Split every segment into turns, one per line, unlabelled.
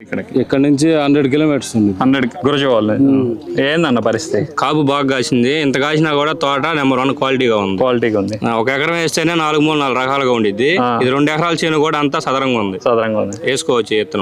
ఇక్కడ నుంచి 100 కిలోమీటర్స్ ఉంది.
100 గురజవాళ్ళు. ఏందన్న పరిస్థితి?
కాపు బాగా కాసింది. ఇంత కాసినా కూడా తోట నెంబర్ 1 క్వాలిటీగా ఉంది. ఒక ఎకరం వేస్తేనే 4 రకాలుగా ఉండిద్ది. ఇది 2 ఎకరాల చేను కూడా అంతా సదరంగా ఉంది. వేసుకోవచ్చు విత్తనం.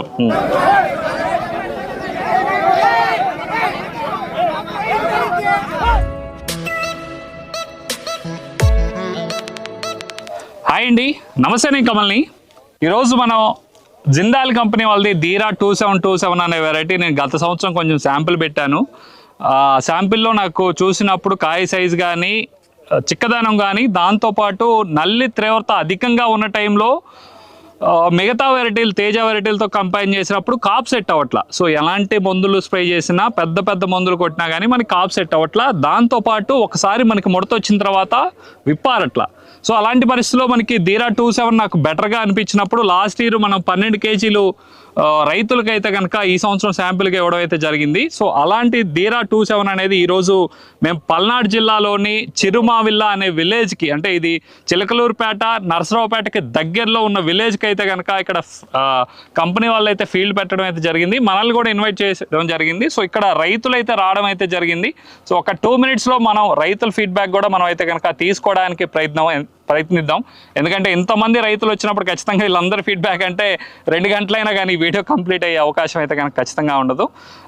హాయ్ అండి, నమస్తే. నేను కమల్ని. ఈరోజు మనం జిందాల్ కంపెనీ వాళ్ళది ధీరా 2727 అనే వెరైటీ నేను గత సంవత్సరం కొంచెం శాంపిల్ పెట్టాను. శాంపిల్లో నాకు చూసినప్పుడు కాయ సైజు కానీ చిక్కదనం కానీ దాంతోపాటు నల్లి తీవ్రత అధికంగా ఉన్న టైంలో మిగతా వెరైటీలు తేజ వెరైటీలతో కంపైన్ చేసినప్పుడు కాప్ సెట్ అవ్వట్లా. సో ఎలాంటి మందులు స్ప్రే చేసినా పెద్ద మందులు కొట్టినా కానీ మనకి కాప్ సెట్ అవ్వట్లా. దాంతోపాటు ఒకసారి మనకి ముడత వచ్చిన తర్వాత విప్పారట్లా. సో అలాంటి పరిస్థితుల్లో మనకి ధీరా 27 నాకు బెటర్గా అనిపించినప్పుడు లాస్ట్ ఇయర్ మనం 12 కేజీలు రైతులకైతే కనుక ఈ సంవత్సరం శాంపిల్గా ఇవ్వడం అయితే జరిగింది. సో అలాంటి ధీరా 27 అనేది ఈరోజు మేము పల్నాడు జిల్లాలోని చిరుమావిల్లా అనే విలేజ్కి, అంటే ఇది చిలకలూరుపేట నరసరావుపేటకి దగ్గరలో ఉన్న విలేజ్కి అయితే కనుక ఇక్కడ కంపెనీ వాళ్ళు అయితే ఫీల్డ్ పెట్టడం అయితే జరిగింది. మనల్ని కూడా ఇన్వైట్ చేయడం జరిగింది. సో ఇక్కడ రైతులు అయితే రావడం అయితే జరిగింది. సో ఒక 2 minutesలో మనం రైతుల ఫీడ్బ్యాక్ కూడా మనం అయితే కనుక తీసుకోవడానికి ప్రయత్నిద్దాం. ఎందుకంటే ఇంతమంది రైతులు వచ్చినప్పుడు ఖచ్చితంగా వీళ్ళందరి ఫీడ్బ్యాక్ అంటే 2 గంటలైనా కానీ వీడియో కంప్లీట్ అయ్యే అవకాశం అయితే కనుక ఖచ్చితంగా ఉండదు.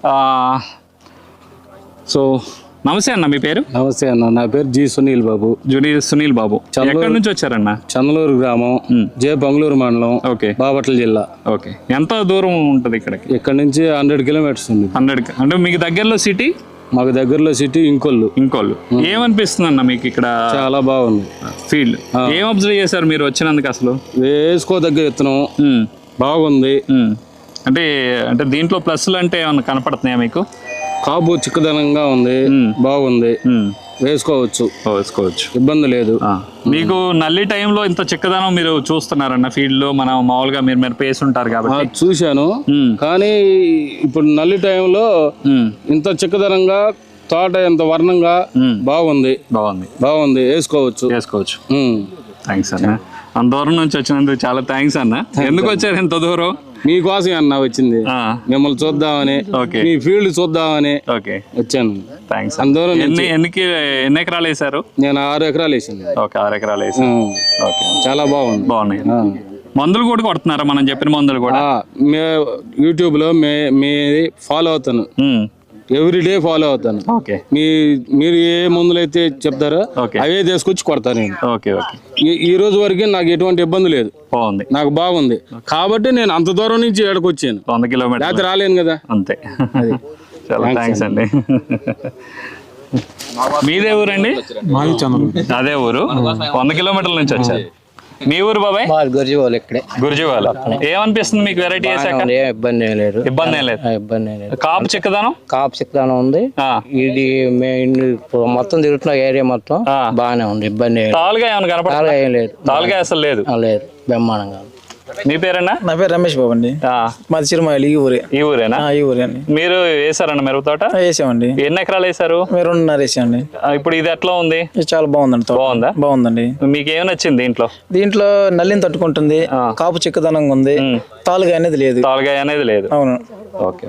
సో నమస్తే అన్న, మీ పేరు?
నమస్తే అన్న, నా పేరు జి సునీల్ బాబు.
సునీల్ బాబు. ఎక్కడి నుంచి వచ్చారన్న?
చందలూరు గ్రామం, జే బంగళూరు మండలం, బాపట్ల జిల్లా.
ఓకే, ఎంత దూరం ఉంటుంది ఇక్కడికి?
ఇక్కడ నుంచి 100 కిలోమీటర్స్ ఉంది.
100 అంటే మీకు దగ్గరలో సిటీ?
మాకు దగ్గరలో సిటీ ఇంకోళ్ళు.
ఏమనిపిస్తుంది అన్న మీకు ఇక్కడ?
చాలా బాగుంది
ఫీల్డ్. ఏం అబ్జర్వ్ చేశారు మీరు వచ్చినందుకు? అసలు
వేసుకోదగ్గ విత్తనం బాగుంది.
అంటే దీంట్లో ప్లస్లు అంటే ఏమన్నా కనపడుతున్నాయా మీకు?
కాపు చిక్కదనంగా ఉంది, బాగుంది, వేసుకోవచ్చు, ఇబ్బంది లేదు.
మీకు నల్లి టైంలో ఇంత చిక్కదనం మీరు చూస్తున్నారన్న ఫీల్డ్ లో? మనం మామూలుగా మీరు పేసి ఉంటారు కాబట్టి
చూశాను. కానీ ఇప్పుడు నల్లి టైంలో ఇంత చిక్కదనంగా తోట ఎంత వర్ణంగా బాగుంది, వేసుకోవచ్చు.
థ్యాంక్స్ అన్న, అంత దూరం నుంచి వచ్చినందుకు చాలా థ్యాంక్స్ అన్న. ఎందుకు వచ్చారు ఇంత దూరం?
మీకోసం అన్న వచ్చింది, మిమ్మల్ని చూద్దామని, మీ ఫీల్డ్ చూద్దామని వచ్చాను.
థ్యాంక్స్. అందరూ ఎన్ని ఎకరాలు వేసారు?
నేను 6 ఎకరాలు వేసింది.
6 ఎకరాలు వేసాను.
చాలా బాగున్నాయి.
మందులు కూడా కొడుతున్నారా? మనం చెప్పిన మందులు కూడా
యూట్యూబ్ లో మీ ఫాలో అవుతాను, ఎవ్రీడే ఫాలో అవుతాను. మీరు ఏ మందులు అయితే చెప్తారో అవే తీసుకొచ్చి కొడతాను నేను. ఈ రోజు వరకు నాకు ఎటువంటి ఇబ్బంది లేదు, నాకు బాగుంది. కాబట్టి నేను అంత దూరం నుంచి ఏడకు వచ్చాను.
100 కిలోమీటర్లు రాలేను
కదా.
అంతే. చాలా థ్యాంక్స్ అండి. మీదే ఊరండి? అదే ఊరు. 100 కిలోమీటర్ల నుంచి వచ్చారు. మీ ఊరు బాబాయ్? గుర్జీవాల. ఏమనిపిస్తుంది మీకు వెరైటీ వేసాక?
ఇబ్బంది ఏం లేదు.
కాపు చిక్కదనం
ఉంది. ఇది మొత్తం తిరుగుతున్న ఏరియా మొత్తం బాగానే ఉంది, ఇబ్బంది.
తాలుగా ఏమైనా కనపడాలి? ఏం లేదు, తాలుగా అసలు లేదు.
బ్రహ్మాండంగా.
మీ పేరన్నా?
నా పేరు రమేష్ బాబు అండి. మాది చిరుమాయిలు. ఈ ఊరేనా? ఈ ఊరే అండి.
మీరు వేసారన్న మిరప తోట?
వేసామండి.
ఎన్ని ఎకరాలు వేసారు?
2.5 వేసామండి.
ఇప్పుడు ఇది ఎట్లా ఉంది?
చాలా బాగుందండి. బాగుందండి.
మీకు ఏమి నచ్చింది
దీంట్లో నల్లిని తట్టుకుంటుంది, కాపు చిక్కదనంగా ఉంది, తాలుగా అనేది లేదు.
అవును. ఓకే.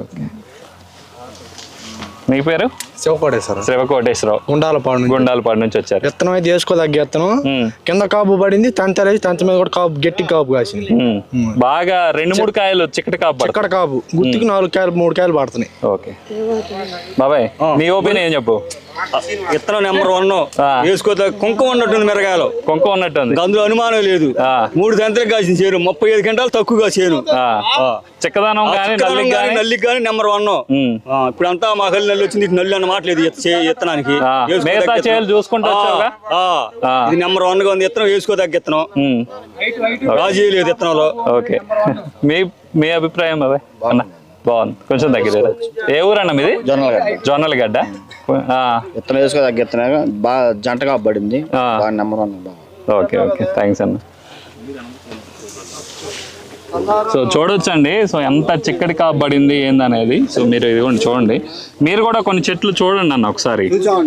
మీ పేరు? శివకోటేశ్వరరావు. గుండాలపాడు నుంచి వచ్చారు.
విత్తనం అయితే వేసుకోదగ్గ విత్తనం, కింద కాపు పడింది, తంత మీద కూడా కాపు, గట్టి కాపు కాసింది.
బాగా 2-3 కాయలు చిక్కటి
కాపు, గుర్తుకి 4 కాయలు 3 కాయలు పడుతున్నాయి.
ఓకే బాబాయ్, మీ ఒపీనియన్ ఏం చెప్పు?
విత్తనం నెంబర్ 1, వేసుకోతే కుంకుమ ఉన్నట్టుంది. మిరగాయలు కుంకుమ ఉన్నట్టుంది, అందులో అనుమానం లేదు. 3 గంటలకు కాసిన చేను, 35 గంటలు తక్కువగా చేను.
చిక్కదనం
నల్లికి కానీ నెంబర్ 1. ఇప్పుడు అంతా మా కళ్ళు నల్లి వచ్చింది, నల్లి అన్న మాట లేదు విత్తనానికి.
చూసుకుంటా
ఇది నెంబర్ 1 గా ఉంది విత్తనం, వేసుకోదగ్గ విత్తనం, రాజీ లేదు విత్తనంలో.
ఓకే, మీ అభిప్రాయం బాబాయ్? బాగుంది, కొంచెం దగ్గర. ఏ ఊరన్నా మీది? జొన్నలగడ్డ.
విత్తనం వేసుకోదగ్గ విత్తనం, బాగా జంటగా పడింది, నెంబర్ 1.
ఓకే, థ్యాంక్స్ అన్న. సో చూడొచ్చండి, సో ఎంత చిక్కడి కాబడింది ఏందనేది. సో మీరు ఇది కూడా చూడండి, మీరు కూడా కొన్ని చెట్లు చూడండి అన్న ఒకసారి.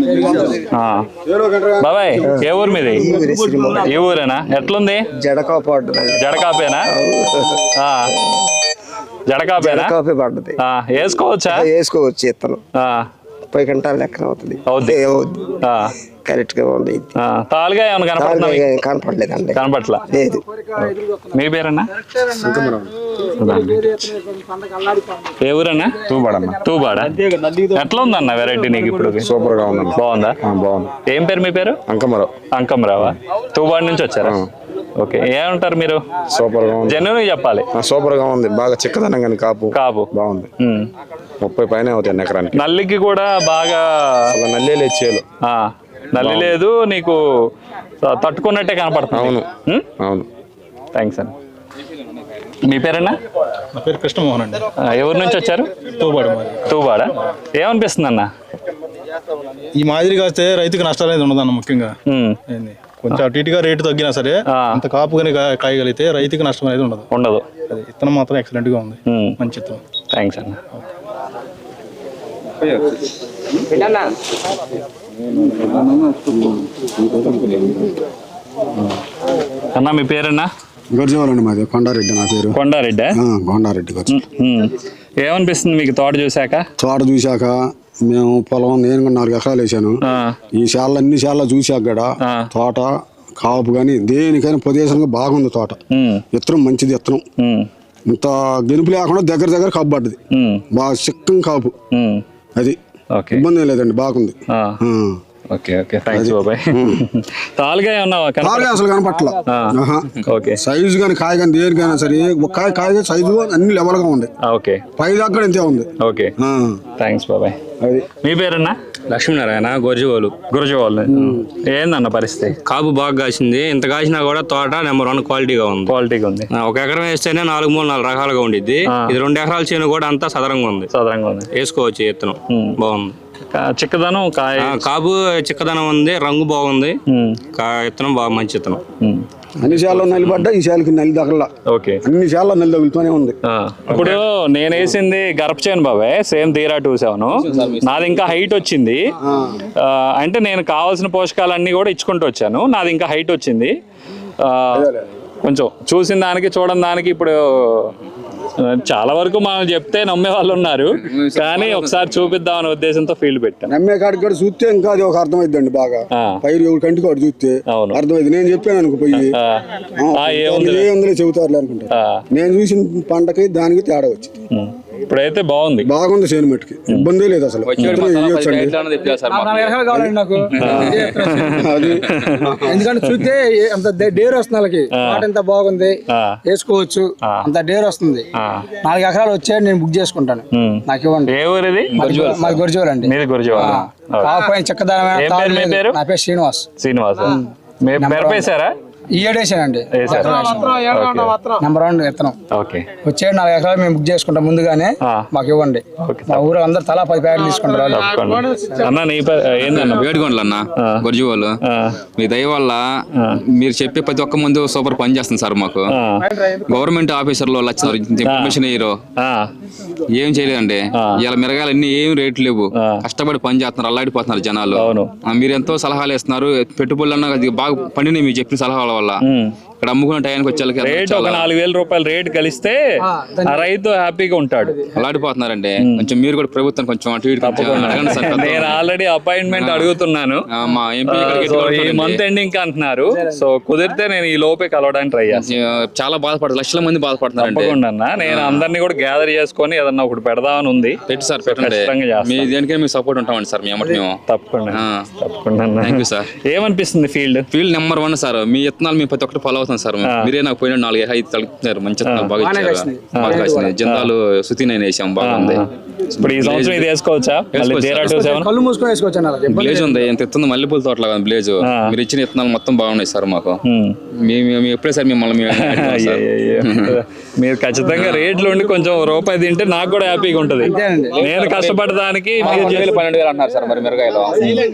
బాబాయ్, ఏ ఊరు మీది? ఈ ఊరేనా? ఎట్లుంది?
జడకాపేనా?
జడకాపేనా?
కాపీ పడ్డది.
వేసుకోవచ్చా?
వేసుకోవచ్చు. ఇత్తనం 30 గంటల లెక్కన అవుతుంది. కరెక్ట్ గా ఉంది.
తాలుగా ఏమైనా కనపడుతుందా?
కనపడలేదండి.
కనపట్లా.
లేదు.
మీ పేరన్నా? ఏ ఊరన్నా? తూబాడా. ఎట్లా ఉందన్న వెరైటీ నీకు ఇప్పుడు?
సూపర్ గా ఉంది.
బాగుందా?
బాగుంది.
ఏం పేరు మీ పేరు? అంకమరావా? తూబాడు నుంచి వచ్చారా? ఓకే. ఏమంటారు మీరు?
సూపర్ గా ఉంది.
జెన్యున్ చెప్పాలి.
సూపర్ గా ఉంది. బాగా చిక్కదనం కానీ కాపు బాగుంది. 30 పైన అవుతాయి ఎకరానికి.
నల్లికి కూడా బాగా
నల్లి లేదు చేలు.
నల్లి లేదు, నీకు తట్టుకున్నట్టే కనపడుతుంది.
అవును.
థ్యాంక్స్ అండి. మీ పేరన్నా?
నా పేరు కృష్ణమోహన్ అండి.
ఎవరి నుంచి వచ్చారు? తూబాడా. ఏమనిపిస్తుంది అన్న?
ఈ మాదిరిగా వస్తే రైతుకి నష్టాలు అనేది ఉండదన్న. ముఖ్యంగా కొంచెం అటు ఇటుగా రేటు తగ్గినా సరే అంత కాపుగానే కాయగలిగితే రైతుకి నష్టం అనేది ఉండదు. విత్తనం మాత్రం ఎక్సలెంట్ గా ఉంది. మంచి విత్తనం.
థ్యాంక్స్ అన్న. అన్న మీ పేరన్నా?
గొర్జవాలండి మాది. కొండారెడ్డి నా పేరు.
కొండారెడ్డి.
కొండారెడ్డి.
ఏమనిపిస్తుంది మీకు తోట చూసాక?
మేము పొలం నేను 4 ఎకరాలు వేసాను. ఈ శాల అన్ని శాల చూసాక కూడా తోట కాపు కానీ దేనికైనా పొదేశంగా బాగుంది తోట. విత్తనం మంచిది. విత్తనం ఇంత గెలుపు లేకుండా దగ్గర కాపు పడ్డది. బాగా చిక్కం కాపు. అది ఇబ్బంది ఏం లేదండి. బాగుంది.
తాలుగా
అసలు కనపట్ల. సైజు కానీ కాయ కానీ దేనికైనా సరే కాయ సైజు అన్ని లెవెల్ గా ఉంది. పై దగ్గర ఇంతే ఉంది.
థ్యాంక్స్ బాబాయ్. మీ పేరన్నా?
లక్ష్మీనారాయణ. గురజవాళ్ళు.
ఏందన్న పరిస్థితి?
కాపు బాగా కాసింది. ఇంత కాసినా కూడా తోట నెంబర్ 1 క్వాలిటీగా ఉంది. 1 ఎకరం వేస్తేనే 4 రకాలుగా ఉండిద్ది. ఇది 2 ఎకరాల చేను కూడా అంతా సదరంగా ఉంది. వేసుకోవచ్చు. విత్తనం బాగుంది.
చిక్కదనం
కాపు చిక్కదనం ఉంది. రంగు బాగుంది. విత్తనం బాగా మంచి విత్తనం.
అన్ని శాలలో నల్లి పడ్డా ఈ శాలకి నల్లి తగల. అన్ని శాలలో నల్లి తగులుతూనే ఉంది.
ఇప్పుడు నేను వేసింది గర్భచేను బాబాయ్. సేమ్ తీరా 27. నాది ఇంకా హైట్ వచ్చింది. అంటే నేను కావాల్సిన పోషకాలన్నీ కూడా ఇచ్చుకుంటూ వచ్చాను. నాది ఇంకా హైట్ వచ్చింది. కొంచెం చూసిన దానికి చూడని దానికి ఇప్పుడు చాలా వరకు మనం చెప్తే నమ్మే వాళ్ళు ఉన్నారు. కానీ ఒకసారి చూపిద్దాం అనే ఉద్దేశంతో ఫీల్డ్ పెట్టాను.
నమ్మే కాడికి కూడా చూస్తే ఇంకా అది ఒక అర్థమైందండి. బాగా పైరు ఎవరి కంటికి వాడు చూస్తే అర్థమైంది. నేను చెప్పాను అనుకో పోయి ఏ చెబుతారు అనుకుంటా. నేను చూసిన పంటకి దానికి తేడా వచ్చింది.
ఇప్పుడైతే
బాగుంది. చేను మట్టుకి ఇబ్బంది లేదు అసలు.
ఎందుకంటే చూస్తే అంత డేర్ వస్తుంది. వాళ్ళకి ఎంత బాగుంది. వేసుకోవచ్చు. అంత డేర్ వస్తుంది. 4 ఎకరాలు వచ్చాడు. నేను బుక్ చేసుకుంటాను. నాకు ఇవ్వండి. మాది గురజవాల్ అండి. చక్కదనమైన. నా పేరు శ్రీనివాస్. ఈ ఏడేసానండి. నెంబర్ 1 విత్తనం వచ్చాడు. 4 ఎకరాలు మేము బుక్ చేసుకుంటాం. ముందుగానే మాకు ఇవ్వండి. మా ఊరు అందరు తలా 10 ప్యాకెట్లు తీసుకుంటారు.
వేడుకోండి అన్న. గురజవాళ్ళు మీ దయ వల్ల మీరు చెప్పే ప్రతి ఒక్క మంది సూపర్ పని చేస్తుంది సార్. మాకు గవర్నమెంట్ ఆఫీసర్లు వాళ్ళు వచ్చినారు. ఇన్ఫర్మేషన్ ఇయ్యరు. ఏం చేయలేదండి. ఇలా మిరగాయలు అన్ని ఏం రేట్లు లేవు. కష్టపడి పని చేస్తున్నారు. అల్లాడిపోతున్నారు జనాలు. మీరు ఎంతో సలహాలు ఇస్తున్నారు. పెట్టుబడులన్నా బాగా పండినాయి మీరు చెప్పిన సలహాల వల్ల. ఇక్కడ అమ్ముకున్న టైంకి వచ్చేళ్ళకి
రేట్ ఒక 4,000 రూపాయలు రేట్ కలిస్తే ఆ రైతు హ్యాపీగా ఉంటాడు.
అలాడిపోతున్నారండి. కొంచెం మీరు కూడా ప్రభుత్వం కొంచెం అటు ఇటు అడగండి సార్.
నేను ఆల్రెడీ అపాయింట్మెంట్ అడుగుతున్నాను.
మా ఎంపీ
ఈ మంత్ ఎండింగ్ అంటున్నారు. సో కుదిరితే నేను ఈ లోపే కలవడానికి ట్రై చేస్తాను.
చాలా బాధపడతారు. లక్షల మంది బాధపడుతున్నారు.
తప్పకుండా నేను అందరినీ కూడా గ్యాదర్ చేసుకొని ఏదన్నా ఒకటి పెడదామని ఉంది.
పెట్టి సార్ పెట్టండి. మీ దేనికైనా మీకు సపోర్ట్ ఉంటామండి సార్. మేము
తప్పకుండా.
Thank you sir.
ఏమనిపిస్తుంది? Field
number 1 sir. మీ విత్తనాలు మేము ప్రతి ఒక్కటి ఫాలో అవుతాం సార్. మీరే నాకు పోయిన 4-5 తలుపుతున్నారు. మంచి విత్తనాలు బాగా ఇచ్చారు. బాగా కాసినాయి. జిందాలు సుతి నేను వేసాం. బాగుంది.
ఇప్పుడు ఈ సంవత్సరం ఇది వేసుకోవచ్చా?
బ్లేజ్ ఉంది. ఎంత ఎత్తుంది. మల్లెపూల తోటలా బ్లేజ్. మీరు ఇచ్చిన విత్తనాలు మొత్తం బాగున్నాయి సార్. మాకు మేము ఎప్పుడే సార్ మిమ్మల్ని
మీరు ఖచ్చితంగా రేట్లు ఉండి కొంచెం రూపాయి తింటే నాకు కూడా హ్యాపీగా ఉంటది. నేను కష్టపడడానికి
12,000 అన్నారు సార్. మరి మిరగాయలు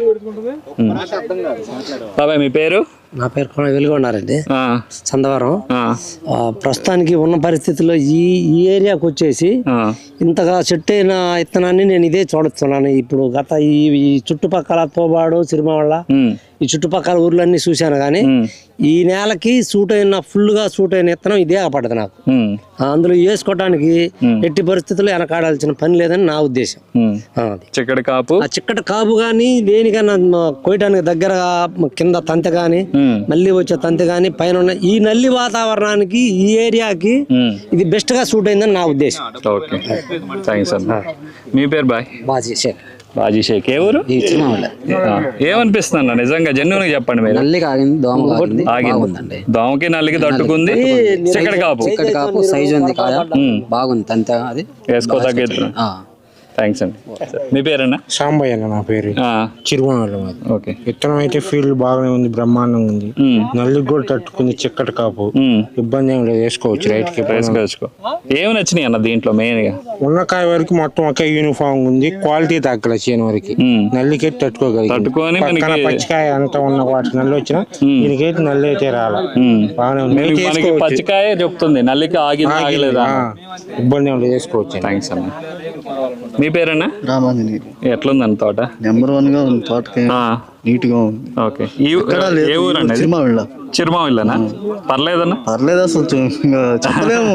బాబాయ్ మీ పేరు?
నా పేరు వెలుగొండారెడ్డి. చందవరం. ప్రస్తుతానికి ఉన్న పరిస్థితుల్లో ఈ ఏరియాకి వచ్చేసి ఇంతగా చెట్టు అయిన విత్తనాన్ని నేను ఇదే చూడుతున్నాను. ఇప్పుడు గత ఈ చుట్టుపక్కల తోబాడు సిరిమావళ్ళ ఈ చుట్టుపక్కల ఊర్లన్నీ చూశాను కానీ ఈ నేలకి ఫుల్గా సూట్ అయిన విత్తనం ఇదే పడదు నాకు. అందులో వేసుకోవడానికి ఎట్టి పరిస్థితుల్లో వెనకాడాల్సిన పని లేదని నా ఉద్దేశం.
చిక్కటి కాపు
ఆ చిక్కటి కాపు గానీ దేనికన్నా కోయటానికి దగ్గరగా కింద తంతె గాని మళ్ళీ వచ్చే తంతె గాని పైన ఉన్న ఈ నల్లి వాతావరణానికి ఈ ఏరియాకి ఇది బెస్ట్ గా సూట్ అయిందని నా ఉద్దేశం.
ఓకే, థ్యాంక్స్ అన్న. మీ పేరు బాజీ షేక్, ఏ ఊరు? ఏమనిపిస్తుంది అన్న నిజంగా జెన్యూన్ గా చెప్పండి మీరు?
నల్లికి ఆగింది, దోమ ఆగింది,
దోమకి నల్లికి తట్టుకుంది, చిక్కటి కాపు
సైజు ఉంది, కాయ బాగుంది, అంతే. అది
వేసుకోదగ్గ. థ్యాంక్స్ అండి. మీ పేరన్నా?
సాంబయ్య అన్న నా పేరు. చిరుమల.
ఓకే,
విత్తనం అయితే ఫీల్డ్ బాగానే ఉంది, బ్రహ్మాండంగా ఉంది. నల్లికి కూడా తట్టుకుంది, చిక్కటి కాపు, ఇబ్బంది ఏం లేదు, వేసుకోవచ్చు. రైట్కి
వేసుకోవచ్చు. ఏమి నచ్చినాయి అన్న దీంట్లో మెయిన్ గా?
ఉన్నకాయ వరకు మొత్తం ఒకే యూనిఫామ్ ఉంది, క్వాలిటీ తగ్గల చేను వరకు నల్లికి తట్టుకోగలిగి. పచ్చికాయ అంతా ఉన్న వాటి నల్లి వచ్చినా దీనికైతే నల్లి అయితే రాలా, బాగానే ఉంది.
పచ్చికాయ చెప్తుంది, నల్లికి ఆగలేదా?
ఇబ్బంది ఏం లేదు, వేసుకోవచ్చు.
థ్యాంక్స్ అన్న. మీ పేరన్నా?
రామాంజనేయ.
ఎట్లుంది తోట?
నెంబర్ 1 గా ఉంది, తోటకి నీట్ గా ఉంది.
ఓకే, ఏ ఊరండి? చిరుమావిళ్ళనా? పర్లేదన్నా?
పర్లేదు, అసలు చెప్పలేము.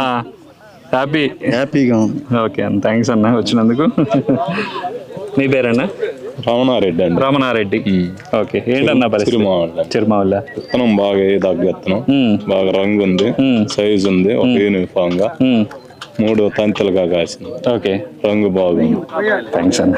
హ్యాపీగా ఉంది. ఓకే అన్న, థ్యాంక్స్ అన్న వచ్చినందుకు. మీ పేరన్నా?
రమణారెడ్డి అండి.
రమణారెడ్డి. ఓకే, ఏంటన్నా పరిస్థితి? చిరుమావిళ్ళ
విత్తనం బాగా దగ్గర విత్తనం, బాగా రంగు ఉంది, సైజు ఉంది, ఒక యూనిఫామ్ గా 3 తంతలుగా కాసింది.
ఓకే,
రంగు బాగుంది.
థ్యాంక్స్ అన్న.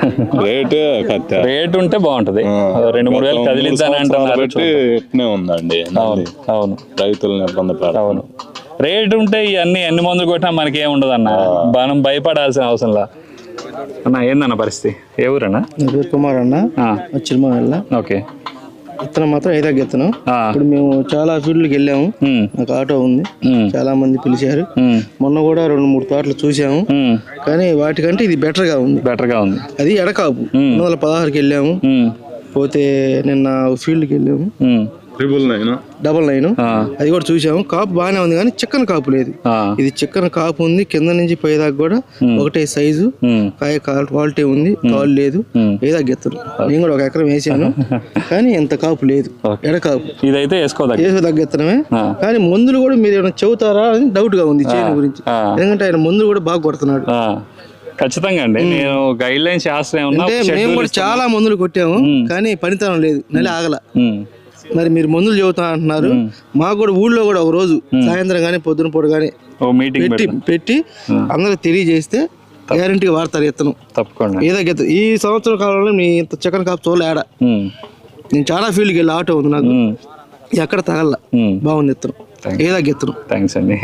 రేట్ ఉంటే బాగుంటది, 2-3 వేలు కదిలిద్దానంటే
ఎట్నే ఉందండి.
అవును,
రైతులను ఇబ్బంది పెడతారు.
అవును, రేట్ ఉంటే ఇవన్నీ ఎన్ని మందులు కొట్టినా మనకి ఏం ఉండదు అన్న, మనం భయపడాల్సిన అవసరంలా. అన్న ఏందన్న పరిస్థితి? ఏ ఊరన్నా?
కుమార్ అన్న, చిరుమల.
ఓకే,
విత్తనం మాత్రం ఐదాక విత్తనం. ఇప్పుడు మేము చాలా ఫీల్డ్కి వెళ్ళాము, నాకు ఆటో ఉంది, చాలా మంది పిలిచారు. మొన్న కూడా 2-3 తోటలు చూసాము, కానీ వాటికంటే ఇది బెటర్ గా ఉంది. అది ఎడకాపు 216కి వెళ్ళాము, పోతే నిన్న ఫీల్డ్కి వెళ్ళాము, 999 అది కూడా చూసాము. కాపు బాగానే ఉంది కానీ చిక్కన కాపు లేదు. ఇది చిక్కన కాపు ఉంది, కింద నుంచి పైదాకా కూడా ఒకటే సైజు, కాయ క్వాలిటీ ఉంది, తాళ్ళు లేదు, ఏదా గెత్తరు. నేను కూడా 1 ఎకరం వేసాను కానీ ఎంత కాపు లేదు, ఎడకాపు.
ఇదైతే
వేసుకోదగ్గెత్తనమే. కానీ మందులు కూడా మీరు ఏమైనా చెబుతారా అని డౌట్ గా ఉంది చేను గురించి, ఎందుకంటే ఆయన మందులు కూడా బాగా కొడుతున్నాడు.
ఖచ్చితంగా అండి, నేను గైడ్ లైన్స్ చేస్తాను.
మేము కూడా చాలా మందులు కొట్టాము కానీ పనితనం లేదు, నెల ఆగల. మరి మీరు మందులు చెబుతా అంటున్నారు, మాకు కూడా ఊళ్ళో కూడా ఒక రోజు సాయంత్రం కానీ పొద్దున పూట కానీ పెట్టి అందరికి తెలియజేస్తే గ్యారంటీగా వాడతారు విత్తనం.
తప్పకుండా
ఏదో ఈ సంవత్సరం కాలంలో మీ ఇంత చికెన్ కాపు చూడలే ఆడ. నేను చాలా ఫీల్డ్కి వెళ్ళి ఆటో ఉంది నాకు, ఎక్కడ తగల, బాగుంది విత్తనం, ఏదో విత్తనం.
థ్యాంక్స్ అండి.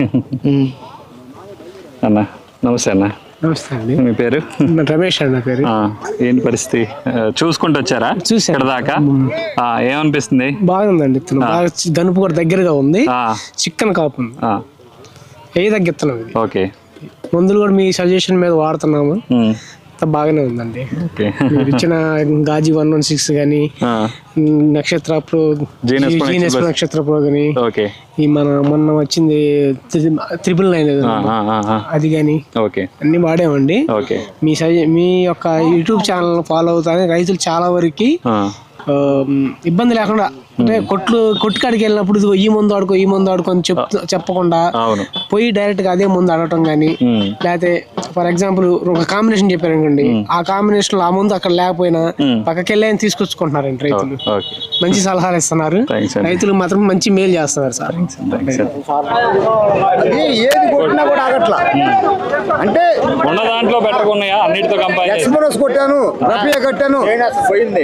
అన్న నమస్తే అన్న.
నమస్తే అండి.
మీ పేరు?
రమేష్ అన్న పేరు.
ఏంటి పరిస్థితి? చూసుకుంటూ వచ్చారా? ఇక్కడ దాకా ఏమనిపిస్తుంది?
బాగుందండి, బాగా గనుపు కూడా దగ్గరగా ఉంది, చిక్కన్ కాపు ఉంది, ఏ తగ్గిస్తున్నాం.
ఓకే,
మందులు కూడా మీ సజెషన్ మీద వాడుతున్నాము, బాగానే ఉందండి. మీరు ఇచ్చిన గాజీ 116 కానీ, నక్షత్ర ప్రో, జీనస్ నక్షత్ర ప్రో కానీ, ఈ మొన్న వచ్చింది 999 అది కానీ అన్ని వాడామండి. మీ యొక్క యూట్యూబ్ ఛానల్ ఫాలో అవుతానే రైతులు చాలా వరకు ఇబ్బంది లేకుండా, అంటే కొట్టుకాడికి వెళ్ళినప్పుడు ఇదిగో ఈ మందు ఆడుకో అని చెప్పకుండా పోయి డైరెక్ట్ గా అదే మందు ఆడటం కానీ, లేకపోతే ఫర్ ఎగ్జాంపుల్ ఒక కాంబినేషన్ చెప్పారు అనుకోండి, ఆ కాంబినేషన్ లో ఆ మందు అక్కడ లేకపోయినా పక్కకి వెళ్ళి తీసుకొచ్చుకుంటున్నారండి రైతులు. మంచి సలహాలు ఇస్తున్నారు, రైతులకు మాత్రం మంచి మేలు చేస్తున్నారు సార్.
ఏది కొట్టినా కూడా ఆగట్లా, అంటే
ఉన్న దాంట్లో పెట్టకున్నాయా? అన్నిటితో కంపేర్
ఎక్స్ప్రెస్ కొట్టాను, రఫియా కట్టాను, పోయింది.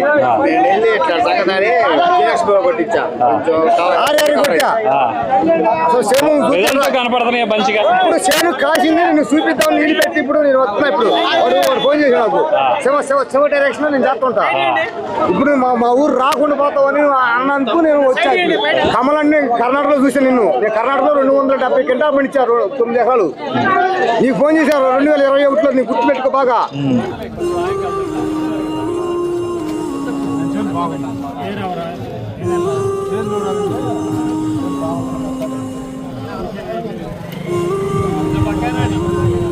కనపడుతున్నాయి మంచిగా.
ఇప్పుడు చేను కాసింది, నేను చూపిద్దామని నీళ్ళు పెట్టి ఇప్పుడు నేను వస్తున్నా. ఇప్పుడు వాడు ఫోన్ చేసి నాకు శివ డైరెక్షన్ నేను చేస్తుంటా. ఇప్పుడు మా ఊరు రాకుండా పోతామని అన్నందుకు నేను వచ్చాను. కమలాన్ని కర్ణాటకలో చూసాను. నేను కర్ణాటకలో 270 క్వింటాలు పండించారు 9 ఎకరాలు. నీకు ఫోన్ చేశారు 2021లో, నీకు గుర్తుపెట్టుకో బాగా. బాగుంది.